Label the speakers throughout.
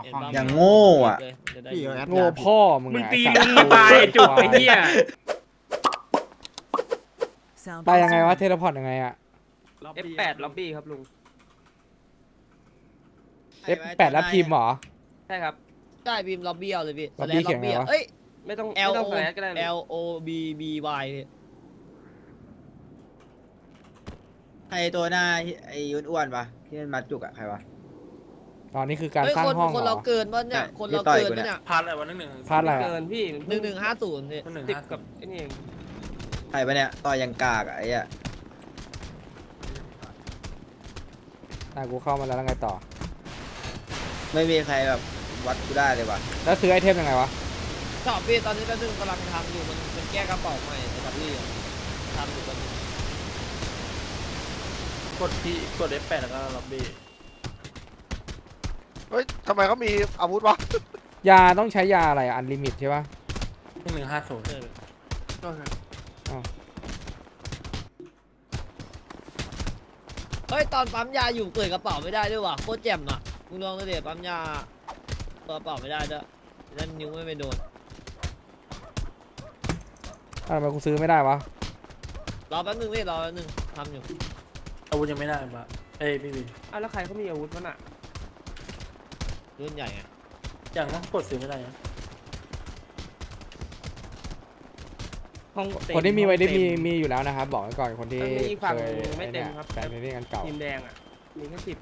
Speaker 1: อย่างโง่อ่ะ
Speaker 2: พี่เอาแอด
Speaker 3: โง่พ่อมึง
Speaker 4: มึง
Speaker 3: อะ
Speaker 4: ตี
Speaker 3: ไอ้
Speaker 4: ลุ
Speaker 3: สัต
Speaker 4: ง
Speaker 3: ว์
Speaker 4: ตายไอ้จุกไอ้เหี้ย
Speaker 3: ไปยังไงวะเทเลพอร์ตยังไงอะ
Speaker 4: F8 ล็อบบี้ครับลุง
Speaker 3: F8 แล้วพิมพ์เหรอ
Speaker 4: ใช่ครับ
Speaker 5: ได้พิมพ์ล็อบบี้เอาเลยพี่
Speaker 3: ล็อบบี้เขียนไงวะ
Speaker 5: เอ้ย
Speaker 4: ไม่ต้อง
Speaker 5: L
Speaker 4: ไม่ต้
Speaker 5: O
Speaker 4: องแฟลชก็ได้
Speaker 5: L O B B Y พี่
Speaker 1: ไอตัวหน้าไอยุนอ้วนปะที่มันมัดจุกอะใครวะ
Speaker 3: ตอนนี้คือการ
Speaker 5: เฮ้ย
Speaker 3: สร้าง
Speaker 5: คน
Speaker 3: ห้อง
Speaker 5: คน
Speaker 3: เหร
Speaker 5: เรา
Speaker 3: อ
Speaker 5: เกินป่ะเนี่ย
Speaker 1: ใช่
Speaker 5: คนเรา
Speaker 1: ที่ต่อย
Speaker 5: เกิน
Speaker 1: กู
Speaker 5: ป่ะ
Speaker 1: เนี่
Speaker 5: เนี่ย ย
Speaker 6: พลาดอะไรวะ1-1
Speaker 3: พลาดอะไร
Speaker 4: เกิ
Speaker 3: อะ
Speaker 4: นพี่
Speaker 5: 1150เนี่ย
Speaker 4: ติดกับไอ้นี่เอง
Speaker 1: ใครปะเนี่ยต่อยยังกากอะไอ้อะ
Speaker 3: กูเข้ามาแล้วไงต่อ
Speaker 1: ไม่มีใครแบบวัดกูได้เลยว่ะ
Speaker 3: แล้วซื้อไอเทมยังไงวะ
Speaker 5: ชอบพี่ตอนนี้ก็ซึ่งกำลังทำอยู่มันแก้กระเป๋าใหม่ในดับลี่ทำอยู่ตอนนี้
Speaker 6: กด F8 แล้วก็ล็อบบี้
Speaker 2: เฮ้ยทำไมเขามีอาวุธวะ
Speaker 3: ยาต้องใช้ยาอะไรอันลิมิตใช่ปะ
Speaker 6: 1150
Speaker 5: เฮ้ยตอนปั๊มยาอยู่เปิดกระเป๋าไม่ได้ด้วยว่ะโคตรแจ่มอ่ะมึงลองดูดิปั๊มยาเปิดกระเป๋าไม่ได้ด้วยนั่นนิ้วไม่ไปโดน
Speaker 3: ทำไมกูซื้อไม่ได้วะ
Speaker 5: รอแป๊บนึงพี่รอแป๊บนึงทำอยู่
Speaker 6: อาวุธยังไม่ได้ปะพี่บี
Speaker 4: อ้าวแล้วใครเขามีอาวุธวะน่ะ
Speaker 5: รุ่นใหญ่ไง
Speaker 6: อย่างนั้นกดซื้อไม่ได้นะ
Speaker 4: ห้องเต็ม
Speaker 3: คนที่มีไว้ได้
Speaker 4: ห้องเต็
Speaker 3: มีอยู่แล้วนะครับ บอกไว้ก่อนคนที่
Speaker 4: มันมีฝั่ง
Speaker 3: เคย
Speaker 4: ไม่เต็มครับ
Speaker 3: แฟนเรื่องกันเก่า
Speaker 4: ทีมแดงอ่ะ มีแค่10เอง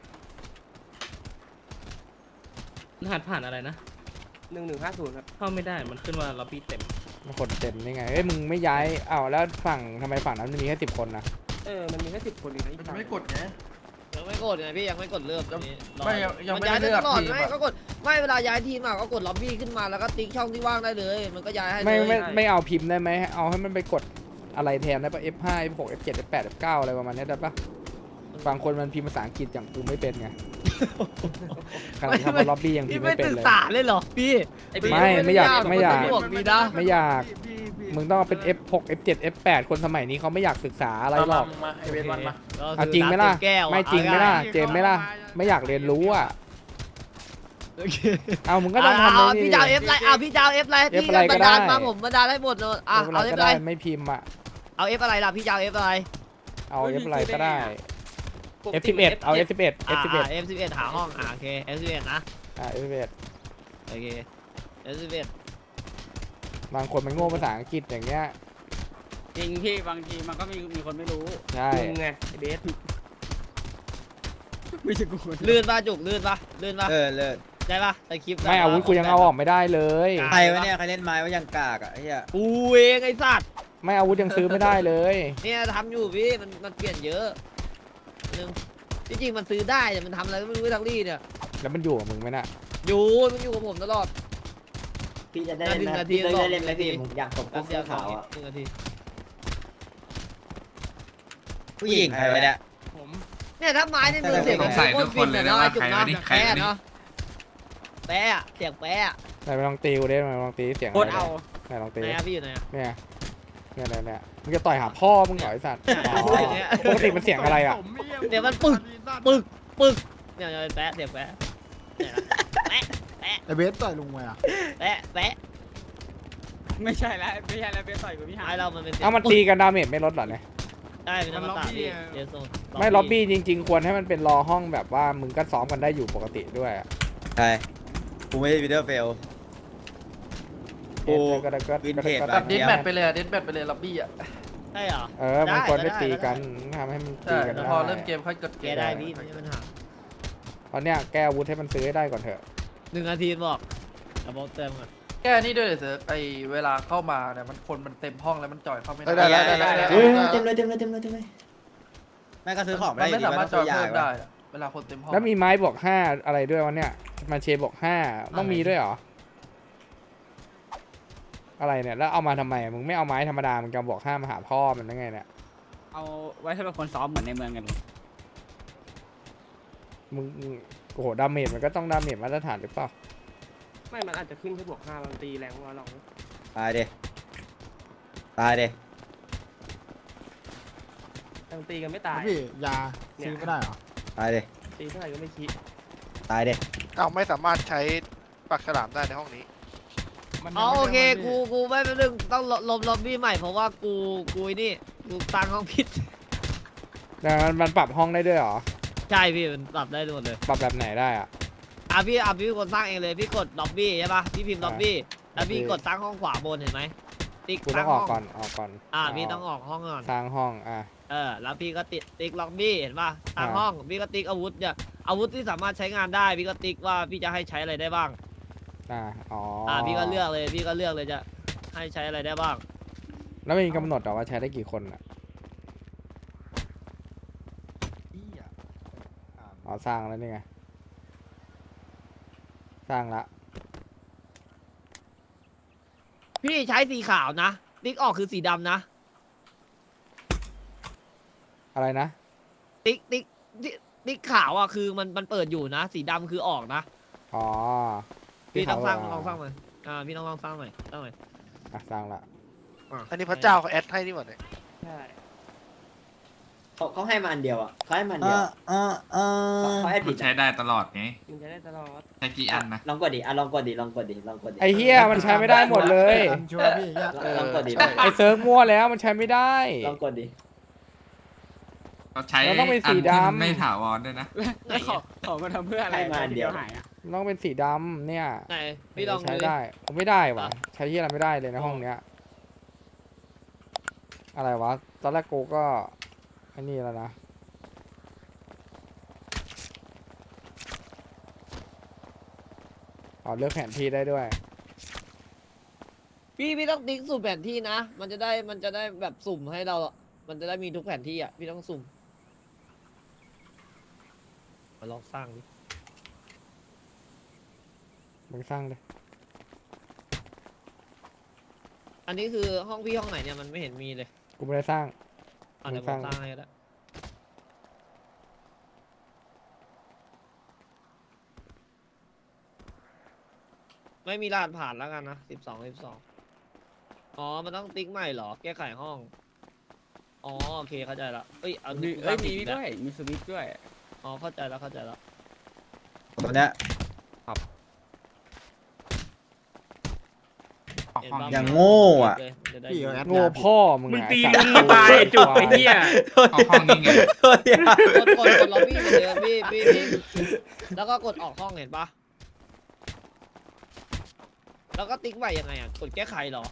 Speaker 7: รหัสผ่านอะไรนะ
Speaker 4: 1150ครับ
Speaker 7: เข้าไม่ได้ มันขึ้นว่าล็อบบี้เต็ม
Speaker 3: มันคนเต็มนี่ไงเอ้ยมึงไม่ย้ายอ้าวแล้วฝั่งทำไมฝั่งนั้นมันมีแค่10 คนนะ
Speaker 4: มันมีแค่10 คนเองนะอีกฝั่ง
Speaker 2: ไม่กดไง
Speaker 5: ยังไม่กดไงพี่ยังไม่กดเลือกตอนนี้รอ
Speaker 2: ไม่ยัง
Speaker 5: มัน
Speaker 2: ไม่
Speaker 5: ย้าย
Speaker 2: ได้
Speaker 5: ได้
Speaker 2: เลื
Speaker 5: ต
Speaker 2: อก
Speaker 5: ลอด
Speaker 2: ทีม
Speaker 5: ไม่
Speaker 2: อะ
Speaker 5: ก็กดไม่เวลาย้ายทีมอ่ะก็กดล็อบบี้ขึ้นมาแล้วก็ติ๊กช่องที่ว่างได้เลย มันก็ย้ายให้เลย
Speaker 3: ไม่เอาพิมพ์ได้ไหมเอาให้มันไปกดอะไรแทนได้ปะ F5 F6 F7 F8 F9 อะไรประมาณนี้ได้ปะบางคนมันพิมพ์ภาษาอังกฤษอย่างกูไม่เป็นไงขนาดทำล็อบบี้ยังพิ
Speaker 5: พี่
Speaker 3: มพ์
Speaker 5: ไม่
Speaker 3: ไม่เป็น
Speaker 5: ศึก
Speaker 3: เลย
Speaker 5: ษาเลยเหรอพี่
Speaker 3: ไม่อยาก
Speaker 5: มีนะ
Speaker 3: ไม่อยากมึงต้องเอาเป็น F6 F7 F8 คนสมัยนี้เขาไม่อยากศึกษาอะไรหรอก
Speaker 6: มาไอเวทวันมา
Speaker 3: เอาจริงไหมล่ะ
Speaker 5: แก้วอะ
Speaker 3: ไม่จริงไหมล่ะ
Speaker 5: อา
Speaker 3: เจมส์ไหมล่ะไม่อยากเรียนรู้อ่ะ
Speaker 5: โอเค
Speaker 3: เอามึงก็ต้องทำเลย
Speaker 5: พี่จะเอาเอฟไลน์พี่จะเอาเอฟไลน์พี่
Speaker 3: F อะไรก็
Speaker 5: บันดาล
Speaker 3: ได้
Speaker 5: มาผมบันดาลให้หมดเลยอ่ะ
Speaker 3: เอา
Speaker 5: เอา
Speaker 3: อะไร
Speaker 5: เอ
Speaker 3: ก็
Speaker 5: ฟไล
Speaker 3: ได้
Speaker 5: น์
Speaker 3: ไม่พิมพ์อ่ะ
Speaker 5: เอาเอฟอะไรล่ะพี่จะเอาเอฟอะไร
Speaker 3: เอา F อะไรก็ได้ F11 เอา F11 F11
Speaker 5: F11 หาห้องโอเค F11 นะ
Speaker 3: F11
Speaker 5: โอเค F11
Speaker 3: บางคนมันโง่ภาษาอังกฤษอย่างเงี้ย
Speaker 4: จริงพี่บางทีมันก็มีคนไม่รู้
Speaker 3: ใช่
Speaker 4: มึงไงไอ้เบส
Speaker 5: ลื่นป่ะจุกลื่นป่ะลื่นป่ะ
Speaker 1: เลิศ
Speaker 5: ได้ป่ะในคลิป
Speaker 3: ไม่อาวุธกูยังเอาออกไม่ได้เลย
Speaker 1: ใครวะเนี่ยใครเล่นไม้ว่ายังกากอะไอ้เหี้ย
Speaker 5: กูเองไอ้สัตว์
Speaker 3: ไม่อาวุธยังซื้อไม่ได้เลย
Speaker 5: เนี่ยทำอยู่พี่มันเปลี่ยนเยอะนึงจริงๆมันซื้อได้แต่มันทำอะไรก็ไม่รู้ทั้งรี่เนี่ย
Speaker 3: แล้วมันอยู่กับมึงไหมน่ะ
Speaker 5: มันอยู่กับผมตลอด
Speaker 1: พี่จะได้
Speaker 5: หนึ่งนาที
Speaker 1: พี่ได้เล่นไหม
Speaker 5: บอก
Speaker 1: พี่ผมอยากตบพวกเสื้อขาวอะ
Speaker 5: 1 นาที
Speaker 1: ผู้หญิงใครวะเนี่ย
Speaker 4: ผม
Speaker 5: เนี่ยถ้าไม้ในมือเสียงมันโคตรฟินเลยเนาะไอ้จุกเนาะแปะเนาะแปะเสียงแปะ
Speaker 3: ไหนไปลองตีกูได้ไหมลองตีเสียง
Speaker 4: โคตรเอา
Speaker 3: ไหนลองตี
Speaker 5: ไหนอะพี่อยู่ไหนอะ
Speaker 3: เนี่ยมึงจะต่อยหาพ่อมึงเหรอไอ้สัตว์อ๋อปกติมันเสียงอะไรอ่ะ
Speaker 5: เดี๋ยวมันปึกเนี่ยแปะเสียงแปะเนี่ยนะแปะ
Speaker 2: ไอเบสต่อยลุงไงอ่ะ
Speaker 5: แปะ
Speaker 4: ไม่ใช่แล้วเบสต่อยกับพี่หา
Speaker 5: ไอ้เรามันเป็นเสียง
Speaker 3: เอามันตีกันดาเมจไม่ลดเหรอเนี่ย
Speaker 5: ได้เป็นธรรมศาสตร์พี่เดี๋ยวส่ง
Speaker 3: ไม่ล็อบบี้จริงๆ ควรให้มันเป็นรอห้องแบบว่ามึงก็ซ้อมกันได้อยู่ปกติด้วยอะ
Speaker 1: ใช่กูไม่ได้วิดีโอเฟล โอ้
Speaker 3: ก็ได้ก็
Speaker 1: วินเทจ
Speaker 3: ก็
Speaker 1: แบ
Speaker 3: ได้
Speaker 1: บ
Speaker 2: เดนแบทไปเลยเดนแบทไปเลยล็อบบี้อ่ะ
Speaker 5: ใช่เหรอ
Speaker 3: มันควรได้
Speaker 5: ได้
Speaker 3: ตีกัน
Speaker 5: ได้
Speaker 3: ทำให้มันตี
Speaker 2: ใช่
Speaker 3: กัน
Speaker 2: แล้ว
Speaker 3: ได้
Speaker 2: พอเริ่มเกมค่อยกดเก
Speaker 5: แก
Speaker 2: ม
Speaker 5: ได้พี่ไม่ใช่ปัญหา
Speaker 3: ตอนเนี้ยแก้อาวุธให้มันซื้อให้ได้ก่อนเถอะ
Speaker 5: 1 นาทีบอกเอาบอกเติมก่อน
Speaker 2: แก้นี่ด้วยเถอะไอเวลาเข้ามาเนี่ยมันคนมันเต็มห้องแล้วมันจ่อยเข้าไม่ได้
Speaker 1: ได้
Speaker 3: เอ้ย
Speaker 1: เต็มเลยแม่ก็ซื้อของไม่
Speaker 2: มัน
Speaker 1: ได้
Speaker 2: ไม่
Speaker 1: ดี
Speaker 2: สามารถจ่อย
Speaker 1: ยา
Speaker 2: เพิ่ม
Speaker 1: วะ
Speaker 2: ได้อะเวลาคนเต็มห้อง
Speaker 3: แล้วมีไม้บวก5อะไรด้วยวะเนี่ยมาเชบวก5ต้องมีด้วยเหรออะไรเนี่ยแล้วเอามาทำไมมึงไม่เอาไม้ธรรมดามึงจะบวก5มาหาพ่อมันได้ไงเนี่ย
Speaker 4: เอาไว้ให้เป็นคนซ้อมเหมือนในเมืองกัน
Speaker 3: มึงโอ้โหดาเมจมันก็ต้องดาเมจมาตรฐานหรือเปล่า
Speaker 4: ไม่มันอาจจะขึ้นแค่บวก5มันตีแรงกว่าเรา
Speaker 1: ตายเด้
Speaker 4: ยังตีกันไม่ตาย
Speaker 2: พี่ยาซื้อไม่ได้เหรอ
Speaker 1: ตายเด้
Speaker 4: ตีเท่าไหร่ก็ไม่คิด
Speaker 1: ตายเด้
Speaker 8: อ้าวไม่สามารถใช้ปากฉลามได้ในห้องนี้
Speaker 5: อ๋อโอเคกูไม่เป็นเรื่องต้องลบล็อบบี้ใหม่เพราะว่ากูไอ้นี่กูตั้งห้องผิด
Speaker 3: แต่มันปรับห้องได้ด้วยเหรอ
Speaker 5: ใช่พี่มันปรับได้หมดเลย
Speaker 3: ปรับแบบไหนได้อะ
Speaker 5: พี่เป็นคนสร้างเองเลยพี่กดล็อบบี้ใช่ปะพี่พิมพ์ล็อบบี้แล้วพี่
Speaker 3: ล็อบบี้
Speaker 5: กดตั้งห้องขวาบนเห็นไหมติ๊ก
Speaker 3: กูต้
Speaker 5: ตั้
Speaker 3: อง งอ
Speaker 5: ห้
Speaker 3: อ
Speaker 5: อก ง
Speaker 3: ก่อนออกก่อน
Speaker 5: พี่ต้องออกห้องก่อน
Speaker 3: สร้างห้อง
Speaker 5: แล้วพี่ก็ติ๊กล็อบบี้เห็นปะตั้ง
Speaker 3: อ่า
Speaker 5: ห้องพี่ก็ติ๊กอาวุธเนี่ยอาวุธที่สามารถใช้งานได้พี่ก็ติ๊กว่าพี่จะให้ใช้อะไรได้บ้าง
Speaker 3: อ๋อ
Speaker 5: พี่ก็เลือกเลยจะให้ใช้อะไรได้บ้าง
Speaker 3: แล้วมีกำหนดเหรอว่าใช้ได้กี่คนอะอ๋อสร้างแล้วนี่ไงสร้างละ
Speaker 5: พี่ใช้สีขาวนะติ๊กออกคือสีดำนะ
Speaker 3: อะไรนะ
Speaker 5: ติ๊กขาวอ่ะคือมันเปิดอยู่นะ สีดำคือออกนะ
Speaker 3: อ๋อ
Speaker 5: พี่ต้องสร้าง
Speaker 3: ที่
Speaker 5: ลองส
Speaker 3: เขา
Speaker 5: ร้างใหม่พี่ต้องลองสร้างใหม่สร้างใหม่
Speaker 3: สร้างละ
Speaker 8: อันนี้พระเจ้าเขาแอดให้นี่หว่าเนี่ย
Speaker 5: ใช่
Speaker 1: เขาให้มาอันเดียวอ่ะเขาให้มาอันเดียวเขาให้ผิ
Speaker 9: มั
Speaker 1: ด
Speaker 9: นใช้ได้ตลอดไง
Speaker 5: มันจะได้ตลอด
Speaker 9: ใช้กี่อันนะ
Speaker 1: ลองกดดิลองกดดิลองกดดิ
Speaker 3: ไอ้เฮียมันใช้ไม่ได้หมดเลย
Speaker 1: ลองกดดิ
Speaker 3: ไอ้เซิร์ฟมั่วแล้วมันใช้ไม่ได้
Speaker 1: ลองกดดิ
Speaker 9: เราใช้
Speaker 3: แล้วต้องเป็นสี
Speaker 9: อันที่
Speaker 3: ดำ
Speaker 9: มันไม่ถาวรด้วยนะ
Speaker 4: แล้วของมันทำเพื่ออะไร
Speaker 1: ให้มาอันเดียว
Speaker 4: หายอ่ะ
Speaker 3: มันต้องเป็นสีดำเนี่ย
Speaker 5: ไหนพี่ลอง
Speaker 3: ใช้
Speaker 5: ดูดิ
Speaker 3: ได้ผมไม่ได้วะใช้ที่อะไรไม่ได้เลยในห้องเนี้ย อะไรวะ ตอนแรกกูก็ไอ้นี่แล้วนะ อ๋อเลือกแผนที่ได้ด้วย
Speaker 5: พี่ต้องติ๊กสุ่มแผนที่นะ มันจะได้แบบสุ่มให้เรา มันจะได้มีทุกแผนที่อ่ะพี่ต้องสุ่มมาลองสร้างดิ
Speaker 3: มึงสร้างเลย
Speaker 5: อันนี้คือห้องพี่ห้องไหนเนี่ยมันไม่เห็นมีเลย
Speaker 3: กูไม่ได้สร้าง
Speaker 5: เดี๋ยว
Speaker 3: ส
Speaker 5: ผ
Speaker 3: ร้าง
Speaker 5: มสร้างให้ก็ได้ไม่มีรหัสผ่านแล้วกันนะ12อ๋อมันต้องติ๊กใหม่เหรอแก้ไขห้องอ๋อโอเคเข้าใจละเอ้ยเอากูสร้างผิ
Speaker 4: มี
Speaker 5: อีกแล้ว
Speaker 4: ด้วยมีสวิตช์ด้วย
Speaker 5: อ๋อเข้าใจแล้ว
Speaker 1: ตัวเนี้ย
Speaker 9: ออกห้อง
Speaker 5: เห็นปะ
Speaker 1: อย่างโง่อะ
Speaker 5: จะได้
Speaker 3: โง่พ่อมึง
Speaker 4: มึง
Speaker 3: อะ
Speaker 4: ตี
Speaker 3: ไอ้สัต
Speaker 4: มึง
Speaker 3: ว์
Speaker 4: ตายไอ้จุกไอ้เหี้ย
Speaker 9: ออกห้องนี่ไง
Speaker 1: ตัวเนี้ย
Speaker 5: กดล็อบบี้เหมือนเดิมพี่แล้วก็กดออกห้องเห็นปะแล้วก็ติ๊กใหม่ยังไงอ่ะกดแก้ไขเหรอ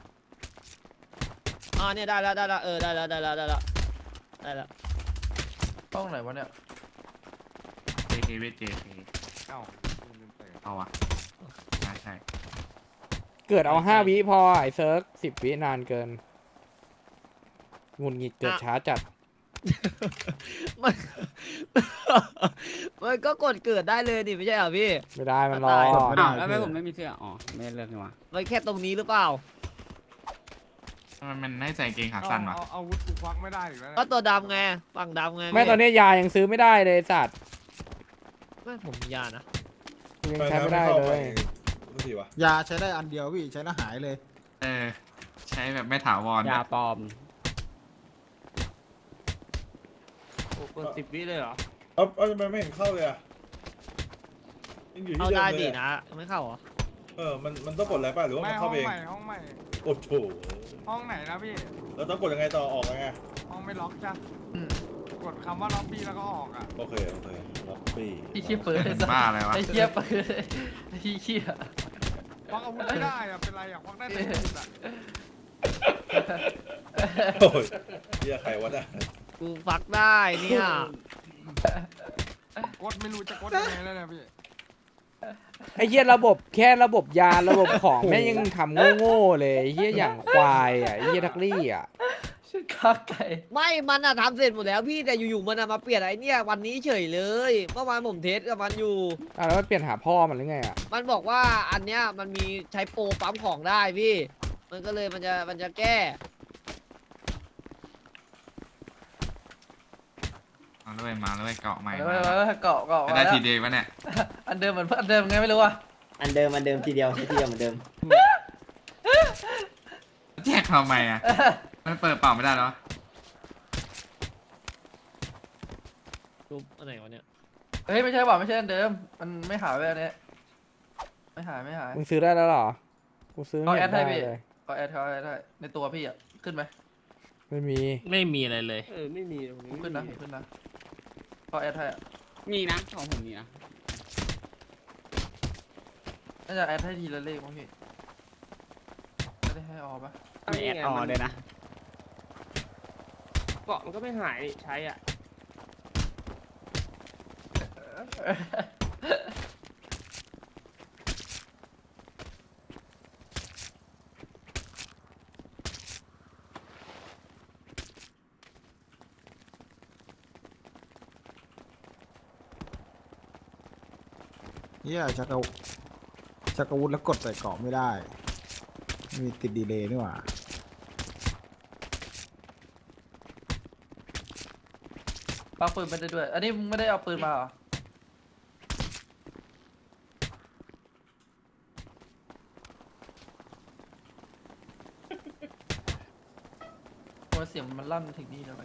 Speaker 5: เนี่ยได้แล้วได้แล้วได้แล้ว
Speaker 2: ห้องไหนวะเนี่ย
Speaker 9: JK เวท JK เอาวะใช่
Speaker 3: เกิดเอา5 วิพอไอ้เซิร์ฟ10 วินานเกินหงุนหงิดเกิดช้าจัด
Speaker 5: มันมันก็กดเกิดได้เลยนี่ไม่ใช่เหรอพี่
Speaker 3: ไม่ได้มันรอ
Speaker 5: ตาย
Speaker 4: อ้าวแล้วทำไมผมไม่มีเสื้ออ๋อไม่ได้เลือกนี่หว่า
Speaker 5: มันแค่ตรงนี้หรือเปล่า
Speaker 9: มันให้ใส่เกงขาสั้นวะ
Speaker 4: อาวุธกูควักไม่ได้อีกแล้ว
Speaker 5: ก็ตัวดำไงฝั่งดำไง
Speaker 3: ไม่ตอนนี้ยายังซื้อไม่ได้เลยไอ้สัตว์
Speaker 5: ไม่ผมมียานะ
Speaker 3: ยังใช้ไม่ได้เลย
Speaker 10: ยาใช้ได้อันเดียวพี่ใช้แล้วหายเลย
Speaker 9: ใช้แบบไม่ถาวร
Speaker 4: ยาปลอม
Speaker 5: กด10 วิเลยเหรอ
Speaker 10: เอาทำไมไม่เห็นเข้าเลยอ่ะยังอยู่ที่
Speaker 5: เอา
Speaker 10: เดิม
Speaker 5: ได้
Speaker 10: เล
Speaker 5: ดิ
Speaker 10: ย
Speaker 5: นะไม่เข้าเหรอ
Speaker 10: มันต้องกดอะไรป่ะหรือว่ามันเข้าเอง
Speaker 4: ห้องใหม่
Speaker 10: โอ้โห
Speaker 4: ห้องไหนนะพี่
Speaker 10: แล้วต้องกดยังไงต่อออกยังไง
Speaker 4: ห้องไม่ล็อกจ้ะกดคำว่าล็อบบี้แล้วก็ออกอ่ะ
Speaker 10: โอเคล็อบบี้
Speaker 2: ไอ้เหี้ยเปิดไอ้สัส
Speaker 9: บ้าอะไรวะ
Speaker 2: ไอ้เหี้ยเปิดไอ้เหี้ย
Speaker 4: ควักอาวุธไม่ได้อ่ะเป็นไรอ่ะควักได้แต่อาวุธอ่ะ
Speaker 10: โอ้ยเรียกใครวะน่ะ
Speaker 5: กูฟักได้เนี่ย
Speaker 4: กดไม่รู้จะกดยังไงแล้วเนี่ยพี่
Speaker 3: ไอ้เหี้ยระบบแค่ระบบยาระบบของแม่งยังทำโง่ๆเลยไอ้เหี้ยอย่างควายอ่ะไอ้เหี้ยทักลี่อ่ะ
Speaker 2: ชื่อข้าไก่
Speaker 5: ไม่มันอะทำเสร็จหมดแล้วพี่แต่อยู่ๆมันอะมาเปลี่ยนไอ้เนี่ยวันนี้เฉยเลยเมื่อวานผมเทสกับมันอยู่
Speaker 3: แล้วมันเปลี่ยนหาพ่อมันหรือไงอ่ะ
Speaker 5: มันบอกว่าอันเนี้ยมันมีใช้โปรปั๊มของได้พี่ มันก็เลยมันจะแก้
Speaker 9: มาเลยมาเลยเกาะใหม่
Speaker 2: เอ
Speaker 9: มา
Speaker 2: อเกาะ
Speaker 9: จะ
Speaker 2: มา
Speaker 9: ได้
Speaker 2: แล้ว
Speaker 9: ทีเดียววะเนี่ย
Speaker 2: อันเดิมเหมือนอันเดิมไงไม่รู้อ่ะ
Speaker 1: อันเดิมทีเดียวใช้ทีเดียวเหมือนเดิม
Speaker 9: แจกทำไมอ่ะมันเปิดเปล่าไม่ได้แล้ว
Speaker 5: รูปอันไหนวะเนี่ย
Speaker 2: เฮ้ยไม่ใช่ว่ะไม่ใช่อันเดิม มันไม่หายไปอันเนี้ยไม่หาย
Speaker 3: มึงซื้อได้แล้วเหรอ กูซื้อ
Speaker 2: เขา
Speaker 3: ไม่
Speaker 2: แอ
Speaker 3: เห็
Speaker 2: ด
Speaker 3: น
Speaker 2: ให้
Speaker 3: ได้
Speaker 2: พี่
Speaker 3: เลย
Speaker 2: เขาแอดได้ในตัวพี่อ่ะขึ้นไหม
Speaker 3: ไม่มี
Speaker 7: ไม่มีอะไรเลย
Speaker 5: ไม่มีตรงนี้
Speaker 2: ขึ้นนะขึ้นนะเขาแอดให้อะ
Speaker 4: มีนะของผมมีนะ
Speaker 2: น่าจะแอดให้ทีละเลขมั้งพี่ไม่ได้ให้ออปะ
Speaker 4: ไม่แอดออเลยนะ
Speaker 5: เกาะมันก็ไม่หายใช้อ่ะ
Speaker 10: เฮียชักอาวุธแล้วกดใส่เกาะไม่ได้ มีติดดีเลย์นี่หว่า
Speaker 2: ปักปืนไม่ได้ด้วย อันนี้มึงไม่ได้เอาปืนมาเหรอโอ้ยเสียงมันลั่นถึงนี่แล้ว